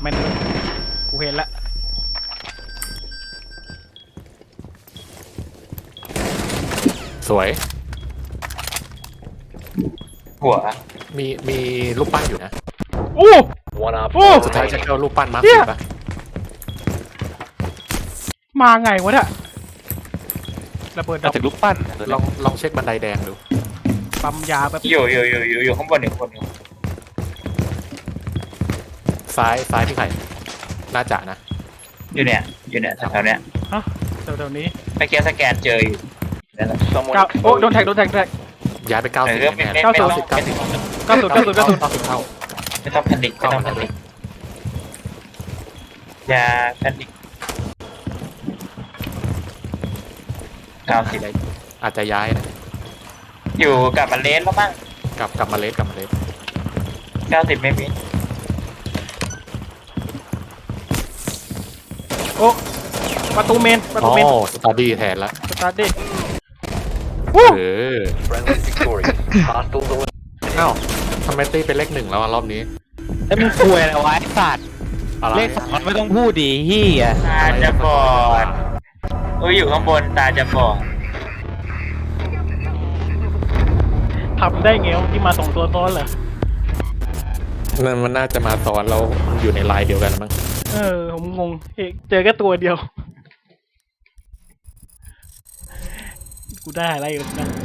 แม่นกูเห็นละสวยหัวมีรูปปั้นอยู่นะอู้ One op โอ้สุดท้ายจะเอารูปปั้นมาเหี้สิยปะมาไงวะเนี่ยระเบิดดัมาบจากลูกปั้นลองเช็คบันไดแดงดูปั๊มยาแบบอยู่ข้างบนอยู่ข้างบนอยู่ซ้ายพี่ไข่น่าจะนะอยู่เนี่ยแถวๆเนี้ยเดี๋ยวนี้เมื่อกี้สแกนเจออยู่นั่นแหละ someone เก้าโอ้โดนแท็กแท็กย้ายไป90 เออไม่แน่ไม่ๆต้อง 90 ไม่ต้องเก้าศูนย์เก้าศูนย์เก้าศูนย์ 90เข้าไม่ต้องแพนิคไม่ต้องแพนิคอย่าแพนิค90 อาจจะย้ายนะอยู่กับมันเลนแล้วมั้งกลับมาเลส 90ไม่มีโอ้ประตูเมนอ๋อสตาร์ดี้แทนละสตาร์ทดิเออ friendly victorious. Hostiles eliminated. อ้าวทำไมตีเป็นเลข1แล้วรอบนี้แล้วมึงคุยอะไรวะไอ้สัตว์อะไรเลขสองไม่ต้องพูดดิเฮียตาจะบอดอยู่ข้างบนตาจะบอดทำได้ไงวะที่มาสองตัวซ้อนเหรอมันน่าจะมาซ้อนเราอยู่ในไลน์เดียวกันมั้งผมงงเจอแค่ตัวเดียว กูได้อะไรอยู่นะ